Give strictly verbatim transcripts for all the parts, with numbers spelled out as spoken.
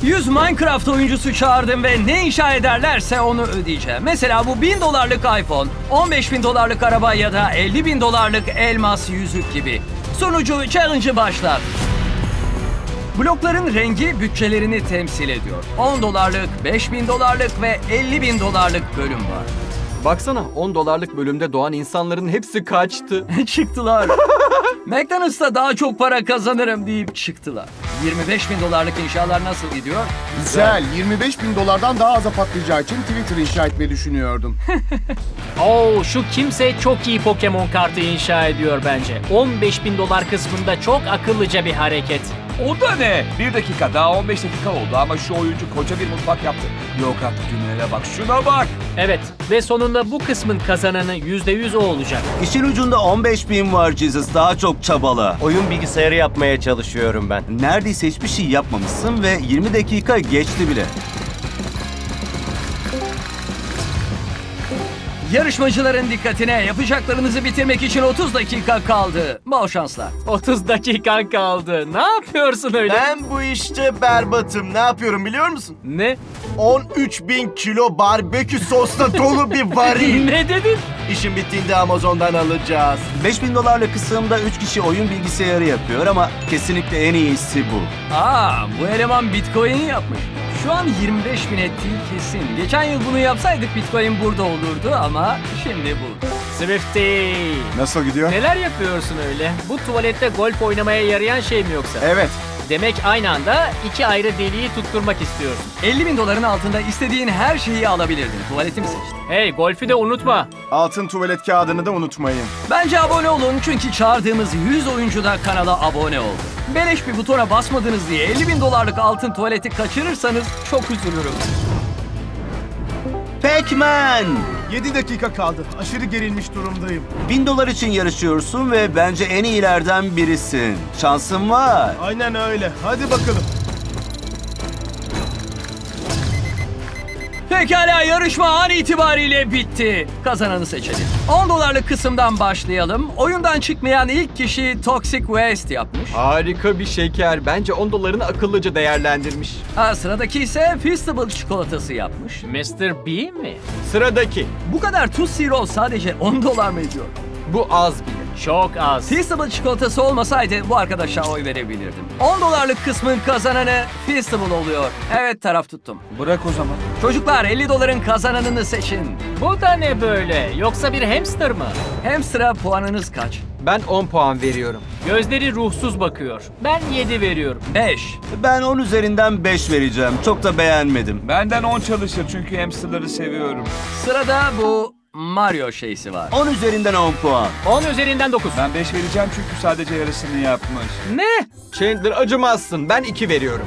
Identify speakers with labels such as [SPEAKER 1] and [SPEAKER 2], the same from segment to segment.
[SPEAKER 1] yüz Minecraft oyuncusu çağırdım ve ne inşa ederlerse onu ödeyeceğim. Mesela bu bin dolarlık iPhone, on beş bin dolarlık araba ya da elli bin dolarlık elmas yüzük gibi. Sonucu challenge'ı başlar. Blokların rengi bütçelerini temsil ediyor. on dolarlık, beş bin dolarlık ve elli bin dolarlık bölüm var.
[SPEAKER 2] Baksana on dolarlık bölümde doğan insanların hepsi kaçtı.
[SPEAKER 1] Çıktılar. McDonald's'ta daha çok para kazanırım deyip çıktılar. yirmi beş bin dolarlık inşalar nasıl gidiyor?
[SPEAKER 3] Güzel. yirmi beş bin dolardan daha aza patlayacağı için Twitter inşa etmeyi düşünüyordum.
[SPEAKER 4] Oo, şu kimse çok iyi Pokemon kartı inşa ediyor bence. on beş bin dolar kısmında çok akıllıca bir hareket.
[SPEAKER 5] O da ne? Bir dakika daha on beş dakika oldu ama şu oyuncu koca bir mutfak yaptı. Yok artık Güney'e bak, şuna bak.
[SPEAKER 4] Evet ve sonunda bu kısmın kazananı yüzde yüz o olacak.
[SPEAKER 6] İşin ucunda on beş bin var Jesus. Daha çok çabala.
[SPEAKER 7] Oyun bilgisayarı yapmaya çalışıyorum ben.
[SPEAKER 6] Neredeyse hiçbir şey yapmamışsın ve yirmi dakika geçti bile.
[SPEAKER 1] Yarışmacıların dikkatine, yapacaklarınızı bitirmek için otuz dakika kaldı. Bol şanslar.
[SPEAKER 4] otuz dakikan kaldı. Ne yapıyorsun öyle?
[SPEAKER 7] Ben bu işte berbatım. Ne yapıyorum biliyor musun?
[SPEAKER 4] Ne?
[SPEAKER 7] on üç bin kilo barbekü sosla dolu bir varil.
[SPEAKER 4] Ne dedin?
[SPEAKER 7] İşin bittiğinde Amazon'dan alacağız.
[SPEAKER 6] beş bin dolarlık kısımda üç kişi oyun bilgisayarı yapıyor ama kesinlikle en iyisi bu.
[SPEAKER 1] Aa, bu eleman Bitcoin yapmış. Şu an yirmi beş bin ettiği kesin. Geçen yıl bunu yapsaydık Bitcoin burada olurdu ama şimdi bu.
[SPEAKER 4] Swifty.
[SPEAKER 3] Nasıl gidiyor?
[SPEAKER 4] Neler yapıyorsun öyle? Bu tuvalette golf oynamaya yarayan şey mi yoksa?
[SPEAKER 3] Evet.
[SPEAKER 4] Demek aynı anda iki ayrı deliği tutturmak istiyorsun.
[SPEAKER 1] elli bin doların altında istediğin her şeyi alabilirdin. Tuvaletimi seçtin.
[SPEAKER 4] Hey, golfü de unutma.
[SPEAKER 3] Altın tuvalet kağıdını da unutmayın.
[SPEAKER 1] Bence abone olun çünkü çağırdığımız yüz oyuncu da kanala abone oldu. Beleş bir butona basmadınız diye elli bin dolarlık altın tuvaleti kaçırırsanız çok üzülürüm.
[SPEAKER 6] Pac-Man!
[SPEAKER 8] yedi dakika kaldı. Aşırı gerilmiş durumdayım.
[SPEAKER 6] bin dolar için yarışıyorsun ve bence en iyilerden birisin. Şansın var.
[SPEAKER 8] Aynen öyle. Hadi bakalım.
[SPEAKER 1] Pekala, yarışma an itibariyle bitti. Kazananı seçelim. on dolarlık kısımdan başlayalım. Oyundan çıkmayan ilk kişi Toxic Waste yapmış.
[SPEAKER 2] Harika bir şeker. Bence on dolarını akıllıca değerlendirmiş.
[SPEAKER 1] Ha, sıradaki ise Feastable çikolatası yapmış.
[SPEAKER 4] mister B mi?
[SPEAKER 2] Sıradaki.
[SPEAKER 1] Bu kadar tuz zero sadece on dolar mı ediyor?
[SPEAKER 2] Bu az bile.
[SPEAKER 4] Çok az.
[SPEAKER 1] Feastable çikolatası olmasaydı bu arkadaşa oy verebilirdim. on dolarlık kısmın kazananı Feastable oluyor. Evet, taraf tuttum.
[SPEAKER 5] Bırak o zaman.
[SPEAKER 1] Çocuklar, elli doların kazananını seçin.
[SPEAKER 4] Bu da ne böyle? Yoksa bir hamster mı?
[SPEAKER 1] Hamster'a puanınız kaç?
[SPEAKER 2] Ben on puan veriyorum.
[SPEAKER 4] Gözleri ruhsuz bakıyor. Ben yedi veriyorum.
[SPEAKER 1] beş.
[SPEAKER 6] Ben on üzerinden beş vereceğim. Çok da beğenmedim.
[SPEAKER 5] Benden on çalışır çünkü hamsterları seviyorum.
[SPEAKER 1] Sırada bu Mario şeysi var.
[SPEAKER 6] on üzerinden on puan.
[SPEAKER 4] on üzerinden dokuz.
[SPEAKER 5] Ben beş vereceğim çünkü sadece yarısını yapmış.
[SPEAKER 4] Ne?
[SPEAKER 2] Chandler acımazsın. Ben iki veriyorum.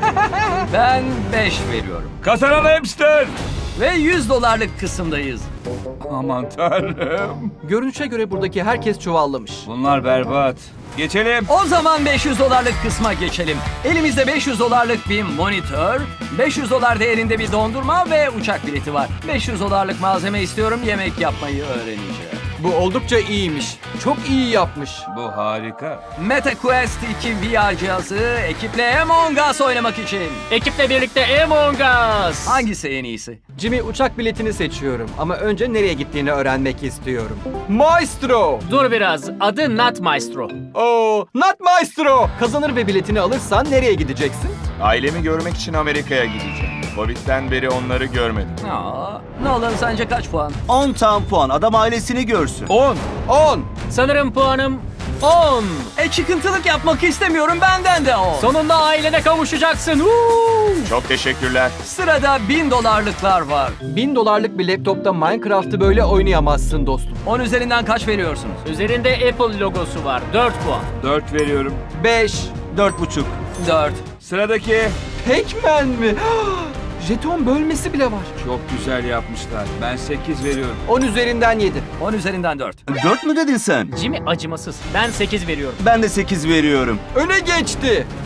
[SPEAKER 1] Ben beş veriyorum.
[SPEAKER 5] Kazanan hamster!
[SPEAKER 1] Ve yüz dolarlık kısımdayız.
[SPEAKER 5] Aman tanrım.
[SPEAKER 2] Görünüşe göre buradaki herkes çuvallamış.
[SPEAKER 5] Bunlar berbat. Geçelim.
[SPEAKER 1] O zaman beş yüz dolarlık kısma geçelim. Elimizde beş yüz dolarlık bir monitör, beş yüz dolar değerinde bir dondurma ve uçak bileti var. beş yüz dolarlık malzeme istiyorum, yemek yapmayı öğreneceğim.
[SPEAKER 2] Bu oldukça iyiymiş. Çok iyi yapmış.
[SPEAKER 5] Bu harika.
[SPEAKER 1] MetaQuest iki V R cihazı ekiple Among Us oynamak için.
[SPEAKER 4] Ekiple birlikte Among Us.
[SPEAKER 1] Hangisi en iyisi?
[SPEAKER 2] Jimmy, uçak biletini seçiyorum ama önce nereye gittiğini öğrenmek istiyorum. Maestro!
[SPEAKER 4] Dur biraz. Adı Not Maestro.
[SPEAKER 2] Oo, not Maestro! Kazanır ve biletini alırsan nereye gideceksin?
[SPEAKER 9] Ailemi görmek için Amerika'ya gideceğim. Covid'den beri onları görmedim.
[SPEAKER 1] Aa, Nolan sence kaç puan?
[SPEAKER 6] on tam puan. Adam ailesini görsün.
[SPEAKER 2] on. on.
[SPEAKER 4] Sanırım puanım on.
[SPEAKER 1] E çıkıntılık yapmak istemiyorum, benden de o.
[SPEAKER 4] Sonunda ailene kavuşacaksın. Uuu.
[SPEAKER 9] Çok teşekkürler.
[SPEAKER 1] Sırada bin dolarlıklar var.
[SPEAKER 2] Bin dolarlık bir laptopta Minecraft'ı böyle oynayamazsın dostum.
[SPEAKER 1] on üzerinden kaç veriyorsunuz?
[SPEAKER 4] Üzerinde Apple logosu var. dört puan.
[SPEAKER 5] Dört veriyorum.
[SPEAKER 2] beş.
[SPEAKER 6] Dört buçuk.
[SPEAKER 1] dört.
[SPEAKER 5] Sıradaki.
[SPEAKER 2] Pac-Man mi? Jeton bölmesi bile var.
[SPEAKER 5] Çok güzel yapmışlar. Ben sekiz veriyorum.
[SPEAKER 2] on üzerinden yedi.
[SPEAKER 1] on üzerinden dört.
[SPEAKER 6] Dört mü dedin sen?
[SPEAKER 4] Jimmy acımasız. Ben sekiz veriyorum.
[SPEAKER 6] Ben de sekiz veriyorum.
[SPEAKER 2] Öne geçti.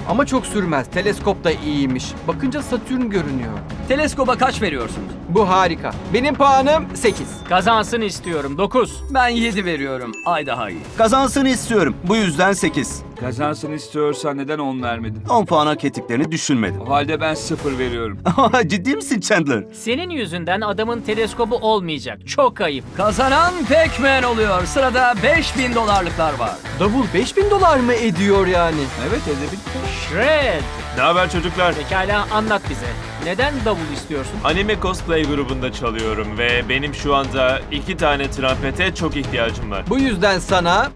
[SPEAKER 2] Ama çok sürmez. Teleskop da iyiymiş. Bakınca Satürn görünüyor.
[SPEAKER 1] Teleskoba kaç veriyorsunuz?
[SPEAKER 2] Bu harika. Benim puanım sekiz.
[SPEAKER 4] Kazansın istiyorum. dokuz.
[SPEAKER 1] Ben yedi veriyorum. Ay daha iyi.
[SPEAKER 6] Kazansını istiyorum. Bu yüzden sekiz.
[SPEAKER 5] Kazansın istiyorsan neden on vermedin?
[SPEAKER 6] on puan hak ettiklerini düşünmedim.
[SPEAKER 5] O halde ben sıfır veriyorum.
[SPEAKER 6] Ciddi misin Chandler?
[SPEAKER 4] Senin yüzünden adamın teleskobu olmayacak. Çok ayıp.
[SPEAKER 1] Kazanan Pac-Man oluyor. Sırada beş bin dolarlıklar var.
[SPEAKER 2] Davul beş bin dolar mı ediyor yani?
[SPEAKER 5] Evet edebil.
[SPEAKER 4] Shred.
[SPEAKER 10] Ne haber çocuklar?
[SPEAKER 4] Pekala anlat bize. Neden davul istiyorsun?
[SPEAKER 10] Anime cosplay grubunda çalıyorum ve benim şu anda iki tane trompete çok ihtiyacım var.
[SPEAKER 2] Bu yüzden sana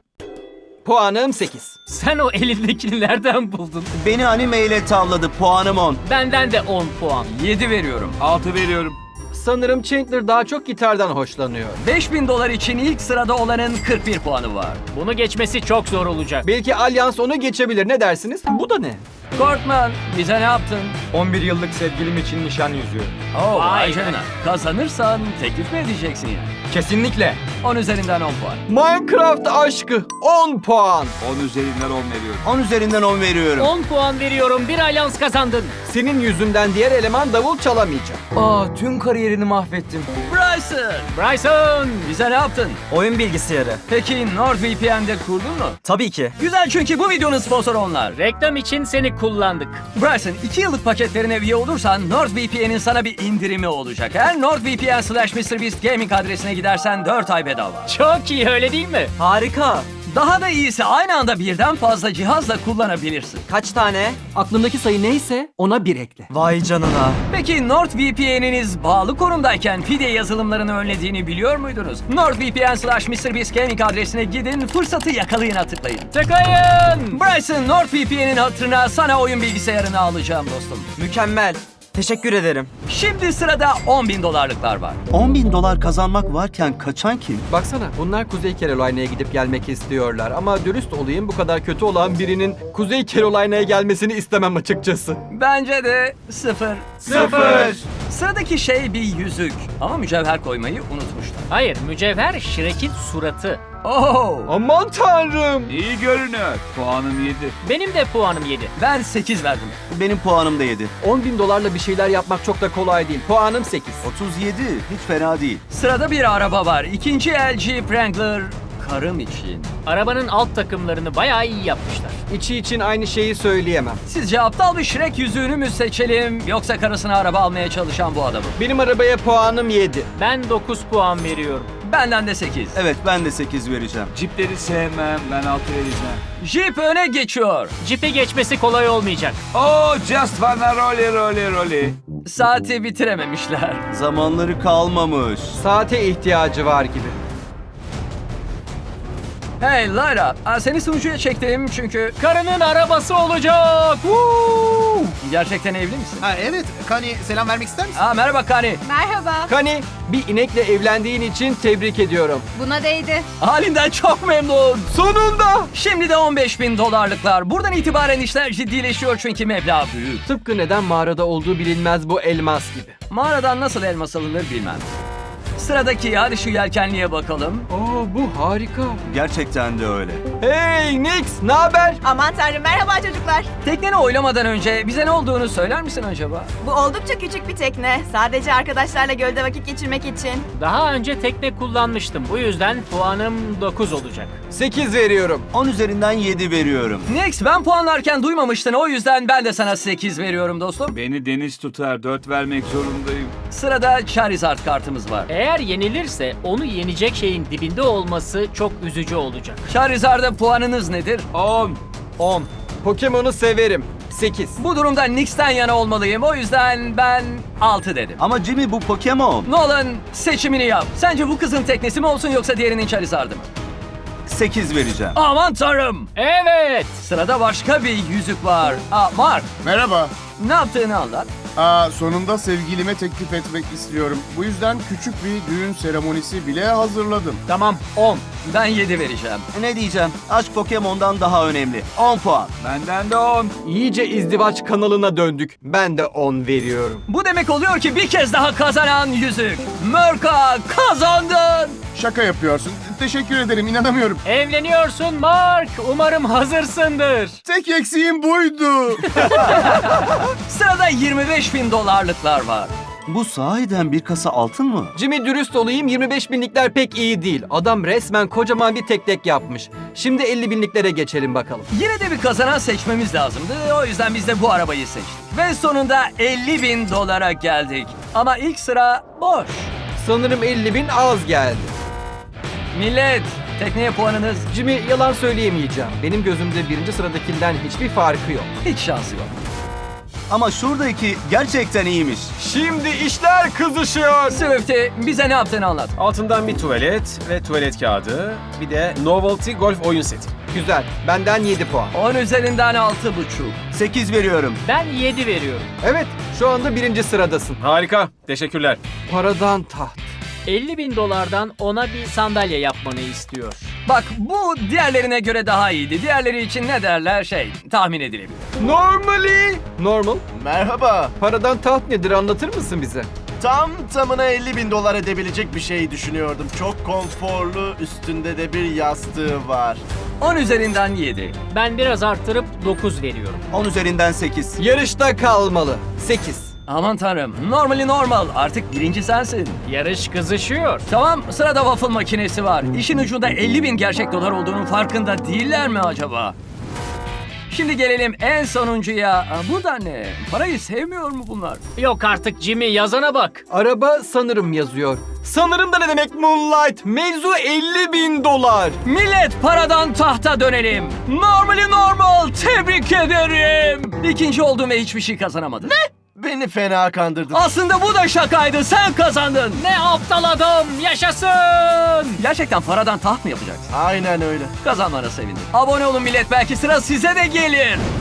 [SPEAKER 2] puanım sekiz.
[SPEAKER 4] Sen o elindekini nereden buldun?
[SPEAKER 6] Beni anime ile tavladı. Puanım on.
[SPEAKER 4] Benden de on puan.
[SPEAKER 1] yedi veriyorum.
[SPEAKER 5] altı veriyorum.
[SPEAKER 2] Sanırım Chandler daha çok gitardan hoşlanıyor.
[SPEAKER 1] beş bin dolar için ilk sırada olanın kırk bir puanı var.
[SPEAKER 4] Bunu geçmesi çok zor olacak.
[SPEAKER 2] Belki Alyans onu geçebilir. Ne dersiniz? Bu da ne?
[SPEAKER 1] Korkman, bize ne yaptın?
[SPEAKER 2] on bir yıllık sevgilim için nişan yüzüğü.
[SPEAKER 1] Oo,
[SPEAKER 4] Vay
[SPEAKER 1] vay
[SPEAKER 4] be.
[SPEAKER 1] canına. Kazanırsan teklif mi edeceksin yani?
[SPEAKER 2] Kesinlikle.
[SPEAKER 1] on üzerinden on puan.
[SPEAKER 2] Minecraft aşkı on puan.
[SPEAKER 5] on üzerinden on veriyorum.
[SPEAKER 6] on üzerinden on veriyorum.
[SPEAKER 4] on puan veriyorum. Bir alyans kazandın.
[SPEAKER 2] Senin yüzünden diğer eleman davul çalamayacak. Aa, tüm kariyerini mahvettim.
[SPEAKER 1] Bryson,
[SPEAKER 4] Bryson.
[SPEAKER 1] bize ne yaptın?
[SPEAKER 11] Oyun bilgisayarı.
[SPEAKER 1] Peki NordVPN'de kurdun mu?
[SPEAKER 11] Tabii ki.
[SPEAKER 1] Güzel, çünkü bu videonun sponsoru onlar.
[SPEAKER 4] Reklam için seni kullandık.
[SPEAKER 1] Bryson, iki yıllık paketlerine üye olursan NordVPN'in sana bir indirimi olacak. Eğer NordVPN slash MrBeast Gaming adresine gidersen dört ay bedava.
[SPEAKER 4] Çok iyi öyle değil mi?
[SPEAKER 11] Harika.
[SPEAKER 1] Daha da iyisi, aynı anda birden fazla cihazla kullanabilirsin.
[SPEAKER 11] Kaç tane?
[SPEAKER 2] Aklındaki sayı neyse ona bir ekle.
[SPEAKER 11] Vay canına.
[SPEAKER 1] Peki NordVPN'iniz bağlı konumdayken pide yazılımlarını önlediğini biliyor muydunuz? NordVPN slash MrBeast Gaming adresine gidin, fırsatı yakalayına tıklayın.
[SPEAKER 4] Tıklayın.
[SPEAKER 1] Bryson, NordVPN'in hatırına sana oyun bilgisayarını alacağım dostum.
[SPEAKER 11] Mükemmel. Teşekkür ederim.
[SPEAKER 1] Şimdi sırada on bin dolarlıklar var.
[SPEAKER 6] on bin dolar kazanmak varken kaçan kim?
[SPEAKER 2] Baksana, bunlar Kuzey Carolina'ya gidip gelmek istiyorlar. Ama dürüst olayım, bu kadar kötü olan birinin Kuzey Carolina'ya gelmesini istemem açıkçası.
[SPEAKER 1] Bence de sıfır.
[SPEAKER 6] Sıfır.
[SPEAKER 1] Sıradaki şey bir yüzük. Ama mücevher koymayı unutmuşlar.
[SPEAKER 4] Hayır, mücevher Shrek'in suratı.
[SPEAKER 1] Oo!
[SPEAKER 2] Aman tanrım!
[SPEAKER 5] İyi görünüyor. Puanım yedi.
[SPEAKER 4] Benim de puanım yedi.
[SPEAKER 1] Ben sekiz verdim.
[SPEAKER 6] Benim puanım da yedi.
[SPEAKER 2] on bin dolarla bir şeyler yapmak çok da kolay değil. Puanım sekiz.
[SPEAKER 6] otuz yedi. Hiç fena değil.
[SPEAKER 1] Sırada bir araba var. İkinci el Jeep Wrangler karım için.
[SPEAKER 4] Arabanın alt takımlarını bayağı iyi yapmışlar.
[SPEAKER 2] İçi için aynı şeyi söyleyemem.
[SPEAKER 1] Sizce aptal bir Shrek yüzüğünü mü seçelim, yoksa karısına araba almaya çalışan bu adamı?
[SPEAKER 2] Benim arabaya puanım yedi.
[SPEAKER 4] Ben dokuz puan veriyorum.
[SPEAKER 1] Benden de sekiz.
[SPEAKER 6] Evet, ben de sekiz vereceğim.
[SPEAKER 5] Cipleri sevmem. Ben altı vereceğim.
[SPEAKER 1] Jeep öne geçiyor.
[SPEAKER 4] Jeep'i geçmesi kolay olmayacak.
[SPEAKER 5] Oh, just wanna rolly rolly rolly.
[SPEAKER 1] Saati bitirememişler.
[SPEAKER 6] Zamanları kalmamış.
[SPEAKER 2] Saate ihtiyacı var gibi.
[SPEAKER 1] Hey Layla, aa, seni sunucuya çektim çünkü...
[SPEAKER 4] Karının arabası olacak. Woo!
[SPEAKER 1] Gerçekten evli misin?
[SPEAKER 8] Ha evet. Kani selam vermek ister misin?
[SPEAKER 1] Aa, merhaba Kani.
[SPEAKER 12] Merhaba.
[SPEAKER 2] Kani, bir inekle evlendiğin için tebrik ediyorum.
[SPEAKER 12] Buna değdi.
[SPEAKER 1] Halinden çok memnun.
[SPEAKER 2] Sonunda!
[SPEAKER 1] Şimdi de on beş bin dolarlıklar. Buradan itibaren işler ciddileşiyor çünkü meblağ büyük.
[SPEAKER 2] Tıpkı neden mağarada olduğu bilinmez bu elmas gibi.
[SPEAKER 1] Mağaradan nasıl elmas alınır bilmem. Sıradaki, hadi şu yelkenliğe bakalım.
[SPEAKER 2] Oo, bu harika.
[SPEAKER 6] Gerçekten de öyle.
[SPEAKER 2] Hey Nix, ne haber?
[SPEAKER 12] Aman tanrım, merhaba çocuklar.
[SPEAKER 1] Tekneni oylamadan önce bize ne olduğunu söyler misin acaba?
[SPEAKER 12] Bu oldukça küçük bir tekne. Sadece arkadaşlarla gölde vakit geçirmek için.
[SPEAKER 4] Daha önce tekne kullanmıştım. Bu yüzden puanım dokuz olacak.
[SPEAKER 2] sekiz veriyorum.
[SPEAKER 6] on üzerinden yedi veriyorum.
[SPEAKER 1] Nix, ben puanlarken duymamıştın, o yüzden ben de sana sekiz veriyorum dostum.
[SPEAKER 5] Beni deniz tutar. Dört vermek zorundayım.
[SPEAKER 1] Sırada Charizard kartımız var.
[SPEAKER 4] Eğer yenilirse onu yenecek şeyin dibinde olması çok üzücü olacak.
[SPEAKER 1] Charizard'a puanınız nedir?
[SPEAKER 5] On.
[SPEAKER 2] on. Pokemon'u severim. sekiz.
[SPEAKER 1] Bu durumda Nix'ten yana olmalıyım, o yüzden ben altı dedim.
[SPEAKER 6] Ama Jimmy, bu Pokemon.
[SPEAKER 1] Nolan, seçimini yap. Sence bu kızın teknesi mi olsun yoksa diğerinin Charizard'ı mı?
[SPEAKER 6] sekiz vereceğim.
[SPEAKER 1] Aman tanrım!
[SPEAKER 4] Evet.
[SPEAKER 1] Sırada başka bir yüzük var. Aa, Mark,
[SPEAKER 3] Merhaba.
[SPEAKER 1] ne yaptığını anlat.
[SPEAKER 3] Aa, sonunda sevgilime teklif etmek istiyorum. Bu yüzden küçük bir düğün seremonisi bile hazırladım.
[SPEAKER 4] Tamam on.
[SPEAKER 1] Ben yedi vereceğim.
[SPEAKER 6] Ne diyeceğim? Aşk Pokemon'dan daha önemli. on puan.
[SPEAKER 5] Benden de on.
[SPEAKER 2] İyice izdivaç kanalına döndük. Ben de on veriyorum.
[SPEAKER 1] Bu demek oluyor ki bir kez daha kazanan yüzük. Mörka kazandın.
[SPEAKER 3] Şaka yapıyorsun. Teşekkür ederim, inanamıyorum.
[SPEAKER 4] Evleniyorsun Mark. Umarım hazırsındır.
[SPEAKER 3] Tek eksiğim buydu.
[SPEAKER 1] Sırada yirmi beş bin dolarlıklar var.
[SPEAKER 6] Bu sahiden bir kasa altın mı?
[SPEAKER 2] Jimmy dürüst olayım yirmi beş binlikler pek iyi değil. Adam resmen kocaman bir tek tek yapmış. Şimdi elli binliklere geçelim bakalım.
[SPEAKER 1] Yine de bir kazanan seçmemiz lazımdı. O yüzden biz de bu arabayı seçtik. Ve sonunda elli bin dolara geldik. Ama ilk sıra boş.
[SPEAKER 2] Sanırım elli bin az geldi.
[SPEAKER 1] Millet, tekneye puanınız
[SPEAKER 2] Jimmy yalan söyleyemeyeceğim. Benim gözümde birinci sıradakinden hiçbir farkı yok.
[SPEAKER 1] hiç şansı yok.
[SPEAKER 6] Ama şuradaki gerçekten iyiymiş.
[SPEAKER 2] Şimdi işler kızışıyor.
[SPEAKER 1] Swifty, bize ne yaptığını anlat.
[SPEAKER 10] Altından bir tuvalet ve tuvalet kağıdı. Bir de Novelty Golf oyun seti.
[SPEAKER 2] Güzel. Benden yedi puan.
[SPEAKER 1] on üzerinden altı buçuk.
[SPEAKER 6] sekiz veriyorum.
[SPEAKER 4] Ben yedi veriyorum.
[SPEAKER 2] Evet, şu anda birinci sıradasın.
[SPEAKER 10] Harika. Teşekkürler.
[SPEAKER 2] Paradan taht.
[SPEAKER 4] elli bin dolardan ona bir sandalye yapmanı istiyor.
[SPEAKER 1] Bak bu diğerlerine göre daha iyiydi. Diğerleri için ne derler şey tahmin edilebilir.
[SPEAKER 2] Normally. Normal.
[SPEAKER 7] Merhaba.
[SPEAKER 2] Paradan taht nedir anlatır mısın bize?
[SPEAKER 7] Tam tamına elli bin dolar edebilecek bir şey düşünüyordum. Çok konforlu, üstünde de bir yastığı var.
[SPEAKER 1] on üzerinden yedi.
[SPEAKER 4] Ben biraz arttırıp dokuz veriyorum.
[SPEAKER 6] on üzerinden sekiz.
[SPEAKER 2] Yarışta kalmalı. sekiz.
[SPEAKER 1] Aman tanrım. Normally normal. Artık birinci sensin.
[SPEAKER 4] Yarış kızışıyor.
[SPEAKER 1] Tamam, sırada waffle makinesi var. İşin ucunda elli bin gerçek dolar olduğunun farkında değiller mi acaba? Şimdi gelelim en sonuncuya. Aa, bu da ne? Parayı sevmiyor mu bunlar?
[SPEAKER 4] Yok artık Jimmy, yazana bak.
[SPEAKER 2] Araba sanırım yazıyor. Sanırım da ne demek Moonlight? Mevzu elli bin dolar.
[SPEAKER 1] Millet, paradan tahta dönelim. Normally normal. Tebrik ederim. İkinci oldum ve hiçbir şey kazanamadım. Ne?
[SPEAKER 7] Beni fena kandırdın.
[SPEAKER 1] Aslında bu da şakaydı. Sen kazandın.
[SPEAKER 4] Ne aptal adam, yaşasın.
[SPEAKER 1] Gerçekten paradan taht mı yapacaksın?
[SPEAKER 7] Aynen öyle.
[SPEAKER 1] Kazanmana sevindim. Abone olun millet, belki sıra size de gelir.